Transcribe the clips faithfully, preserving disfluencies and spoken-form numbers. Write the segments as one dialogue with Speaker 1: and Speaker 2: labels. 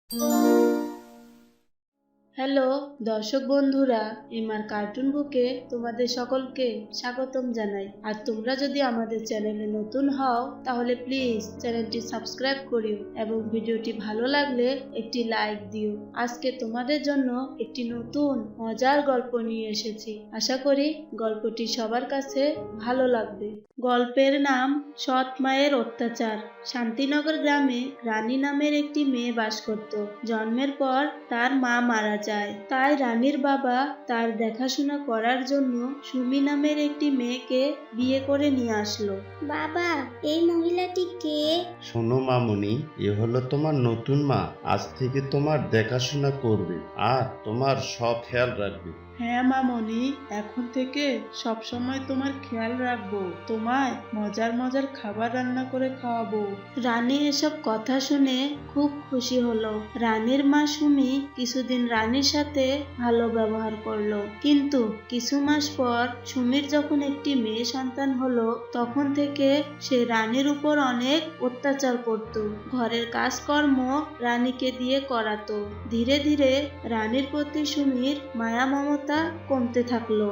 Speaker 1: Hello দর্শক বন্ধুরা, MR cartoon বুকে তোমাদের সকলকে স্বাগতম জানাই। আর তোমরা যদি আমাদের চ্যানেলে নতুন হও তাহলে প্লিজ চ্যানেলটি সাবস্ক্রাইব করিও এবং ভিডিওটি ভালো লাগলে একটি লাইক দিও। আজকে তোমাদের জন্য একটি নতুন মজার গল্প নিয়ে এসেছি। আশা করি গল্পটি সবার কাছে ভালো লাগবে। গল্পের নাম সৎ মায়ের অত্যাচার। শান্তিনগর গ্রামে রানী নামের একটি মেয়ে বাস করত। জন্মের পর তার মা মারা যায়, তাই রানীর বাবা তার দেখাশোনা করার জন্য সুমি নামের একটি মেয়েকে বিয়ে করে নিয়ে আসলো।
Speaker 2: বাবা, এই মহিলাটি কে?
Speaker 3: শোনো মামুনি, এ হলো তোমার নতুন মা। আজ থেকে তোমার দেখাশোনা করবে আর তোমার সব খেয়াল রাখবে।
Speaker 1: হ্যাঁ মামনি, এখন থেকে সব সময় তোমার খেয়াল রাখবো। তোমায় মজার মজার খাবার রান্না করে খাওয়াবো। রানী এসব কথা শুনে খুব খুশি হলো। রানীর মা সুমি কিছুদিন রানীর সাথে ভালো ব্যবহার করলো, কিন্তু কিছু মাস পর সুমির যখন একটি মেয়ে সন্তান হলো, তখন থেকে সে রানীর উপর অনেক অত্যাচার করত। ঘরের কাজকর্ম রানীকে দিয়ে করাতো। ধীরে ধীরে রানীর প্রতি সুমির মায়া মমতা কমতে থাকলো।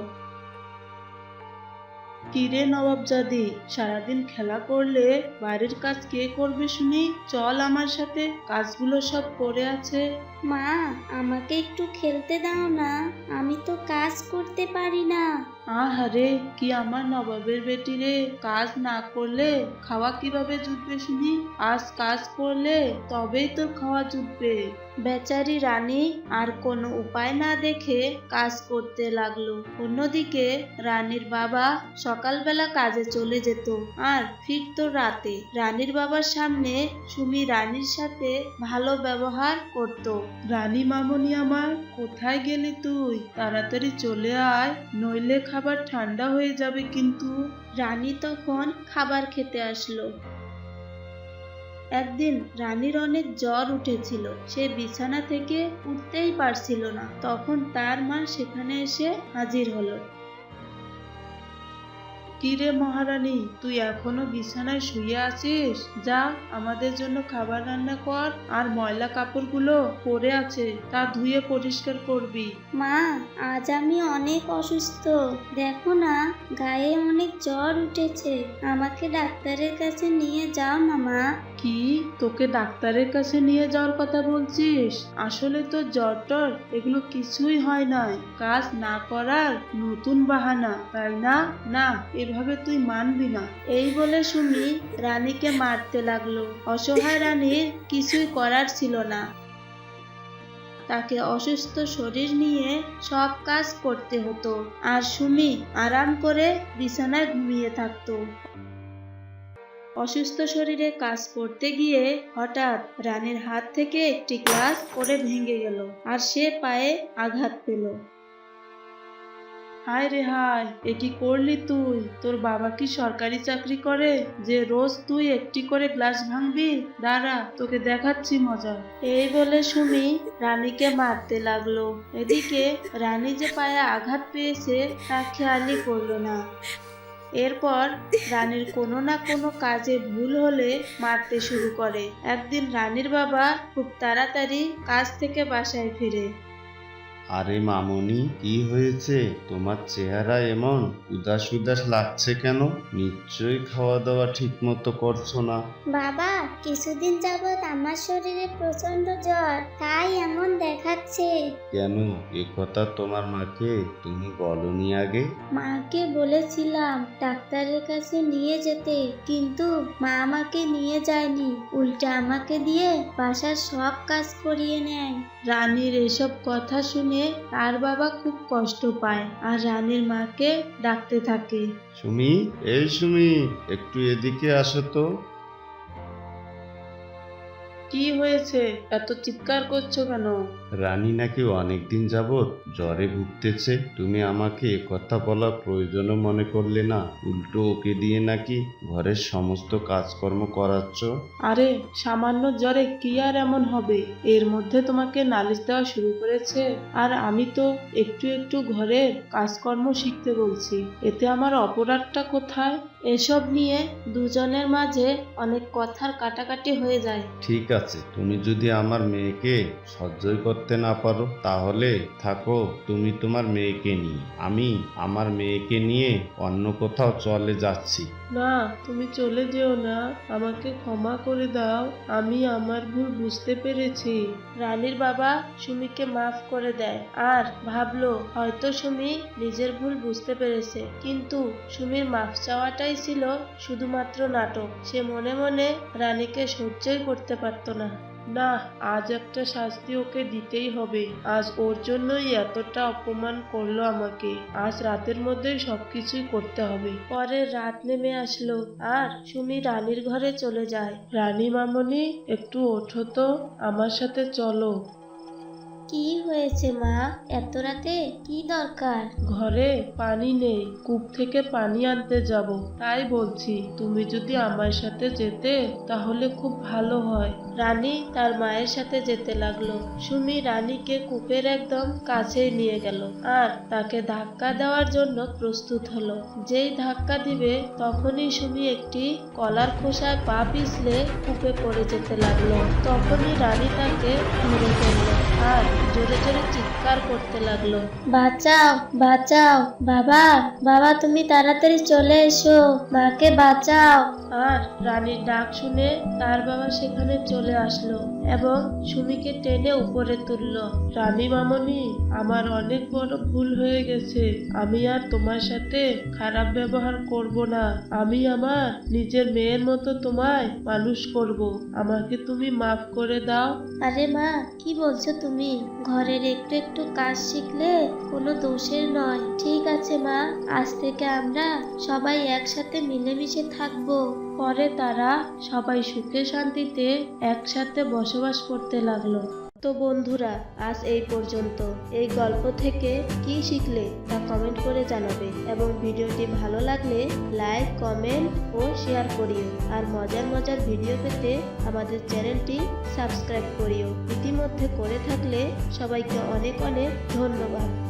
Speaker 1: কিরে নবাবজাদি, সারাদিন খেলা করলে বাড়ির কাজ কে করবে শুনি? চল আমার সাথে, কাজগুলো সব পড়ে আছে।
Speaker 2: মা, আমাকে একটু খেলতে দাও না, আমি তো কাজ করতে পারি না।
Speaker 1: আহারে, কি আমার নবাবের বেটি রে, কাজ না করলে খাওয়া কিভাবে জুটবে শুনি? আজ কাজ করলে তবেই তোর খাওয়া জুটবে। বেচারি রানী আর কোনো উপায় না দেখে কাজ করতে লাগলো। অন্যদিকে রানীর বাবা সকালবেলা কাজে চলে যেত আর ফিরতো রাতে। রানীর বাবার সামনে সুমি রানীর সাথে ভালো ব্যবহার করত। রানী মামনি আমার, কোথায় গেলি তুই? তাড়াতাড়ি চলে আয়, নইলে খাবার ঠান্ডা হয়ে যাবে কিন্তু। রানী তখন খাবার খেতে আসলো। একদিন রানীর অনেক জ্বর উঠেছিল, সে বিছানা থেকে উঠতেই পারছিল না। তখন তার মা সেখানে এসে হাজির হলো। কিরে মহারানী, তুই এখনো বিছানায় শুয়ে আছিস? যা, আমাদের জন্য খাবার রান্না কর, আর ময়লা কাপড়গুলো পরে আছে তা ধুয়ে পরিষ্কার করবি।
Speaker 2: মা, আজ আমি অনেক অসুস্থ, দেখো না, গায়ে অনেক জ্বর উঠেছে, আমাকে ডাক্তারের কাছে নিয়ে যাও না মা।
Speaker 1: কি, তোকে ডাক্তারের কাছে নিয়ে যাওয়ার কথা বলছিস? আসলে তো জ্বর টর এগুলো কিছুই হয় নাই, কাজ না করার নতুন বাহানা, তাই না? না, এভাবে তুই মানবি না। এই বলে সুমি রানীকে মারতে লাগলো। অসহায় রানীর কিছুই করার ছিল না। তাকে অসুস্থ শরীর নিয়ে সব কাজ করতে হতো, আর সুমি আরাম করে বিছানায় ঘুমিয়ে থাকতো। অসুস্থ শরীরে কাজ করতে গিয়ে হঠাৎ রানীর হাত থেকে একটি গ্লাস পড়ে ভেঙে গেল আর সে পায়ে আঘাত পেল। হায় রে হায়, এ কি করলি তুই? তোর বাবা কি সরকারি চাকরি করে যে রোজ তুই একটি করে গ্লাস ভাঙবি? দাঁড়া, তোকে দেখাচ্ছি মজা। এই বলে সুমি রানীকে মারতে লাগলো। এদিকে রানী যে পায়ে আঘাত পেয়েছে তা খেয়ালই করলো না। এরপর রানীর কোনো না কোনো কাজে ভুল হলে মারতে শুরু করে। একদিন রানীর বাবা খুব তাড়াতাড়ি কাজ থেকে বাসায় ফিরে।
Speaker 3: আরে মামুনি, কি হয়েছে? তোমার চেহারা এমন উদাস উদাস লাগছে কেন? নিশ্চয়ই খাওয়া দাওয়া ঠিক মতো করছো না।
Speaker 2: বাবা, কিছুদিন যাবৎ আমার শরীরে প্রচন্ড জ্বর, তাই এমন দেখাচ্ছে।
Speaker 3: কেন, এ কথা তোমার মাকে তুমি বলনি আগে?
Speaker 2: মাকে বলেছিলাম ডাক্তারের কাছে নিয়ে যেতে, কিন্তু মা আমাকে নিয়ে যায়নি, উল্টা আমাকে দিয়ে বাসার সব কাজ করিয়ে নেয়।
Speaker 1: রানীর এসব কথা শুনে তার বাবা খুব কষ্ট পায় আর রানীর মাকে ডাকতে থাকে।
Speaker 3: সুমি, এই সুমি, একটু এদিকে আসো তো।
Speaker 1: কি হয়েছে, এত চিৎকার করছো কেন?
Speaker 3: রানী নাকি অনেকদিন যাবৎ জ্বরে ভুগতেছে। তুমি আমাকে এ কথা বলার প্রয়োজনও মনে করলে না, উল্টো ওকে দিয়ে নাকি ঘরের সমস্ত কাজকর্ম করাচ্ছ।
Speaker 1: আরে, সামান্য জ্বরে কি আর এমন হবে? এর মধ্যে তোমাকে নালিশ দেওয়া শুরু করেছে? আর আমি তো একটু একটু ঘরের কাজকর্ম শিখতে বলছি, এতে আমার অপরাধটা কোথায়? এসব নিয়ে দুজনের মাঝে অনেক কথার কাটাকাটি হয়ে যায়।
Speaker 3: ঠিক আছে, তুমি যদি আমার মেয়েকে সহ্যই করতে না পারো তাহলে থাকো তুমি তোমার মেয়েকে নিয়ে। আমি আমার মেয়েকে নিয়ে অন্য কোথাও চলে যাচ্ছি।
Speaker 1: না, তুমি চলে যেও না, আমাকে ক্ষমা করে দাও, আমি আমার ভুল বুঝতে পেরেছি। রানীর বাবা সুমিকে মাফ করে দেয় আর ভাবলো হয়তো সুমি নিজের ভুল বুঝতে পেরেছে, কিন্তু সুমির মাফ চাওয়াটাই ছিল শুধুমাত্র নাটক। সে মনে মনে রানীকে সহ্যই করতে পারতো না। না, আজ একটা শাস্তি ওকে দিতেই হবে। আজ ওর জন্যই এতটা অপমান করলো আমাকে। আজ রাতের মধ্যেই সবকিছুই করতে হবে। পরে রাত নেমে আসলো আর সুমি রানীর ঘরে চলে যায়। রানী মামনি, একটু ওঠো তো, আমার সাথে চলো।
Speaker 2: কি হয়েছে মা, এত রাতে কি দরকার?
Speaker 1: ঘরে পানি নেই, কূপ থেকে পানি আনতে যাব, তাই বলছি তুমি যদি আমার সাথে যেতে তাহলে খুব ভালো হয়। রানী তার মায়ের সাথে যেতে লাগলো। সুমি রানীকে কূপের একদম কাছেই নিয়ে গেল আর তাকে ধাক্কা দেওয়ার জন্য প্রস্তুত হলো। যেই ধাক্কা দিবে তখনই সুমি একটি কলার খোসায় পা পিছলে কূপে পড়ে যেতে লাগলো। তখনই রানী তাকে ধরে ফেললো আর জোরে জোরে চিৎকার করতে লাগলো,
Speaker 2: বাঁচাও বাঁচাও, বাবা বাবা তুমি তাড়াতাড়ি চলে এসো, মাকে বাঁচাও।
Speaker 1: আর রানীর ডাক শুনে তার বাবা সেখানে চলে আসলো এবং সুমিকে টেনে উপরে তুললো। রানী মামনি, আমার অনেক বড় ভুল হয়ে গেছে, আমি আর তোমার সাথে খারাপ ব্যবহার করব না। আমি আমার নিজের মেয়ের মতো তোমায় মানুষ করব, আমাকে তুমি মাফ করে দাও।
Speaker 2: আরে মা, কি বলছো তুমি? ঘরের একটু একটু কাজ শিখলে কোনো দোষের নয়। ঠিক আছে মা, আজ থেকে আমরা সবাই একসাথে মিলেমিশে থাকবো।
Speaker 1: পরে তারা সবাই সুখে শান্তিতে একসাথে বসবাস করতে লাগলো। তো বন্ধুরা, আজ এই পর্যন্ত। এই গল্প থেকে কি শিখলে তা কমেন্ট করে জানাবে এবং ভিডিওটি ভালো লাগলে লাইক, কমেন্ট ও শেয়ার করিও। আর মজার মজার ভিডিও পেতে আমাদের চ্যানেলটি সাবস্ক্রাইব করিও। ইতিমধ্যে করে থাকলে সবাইকে অনেক অনেক ধন্যবাদ।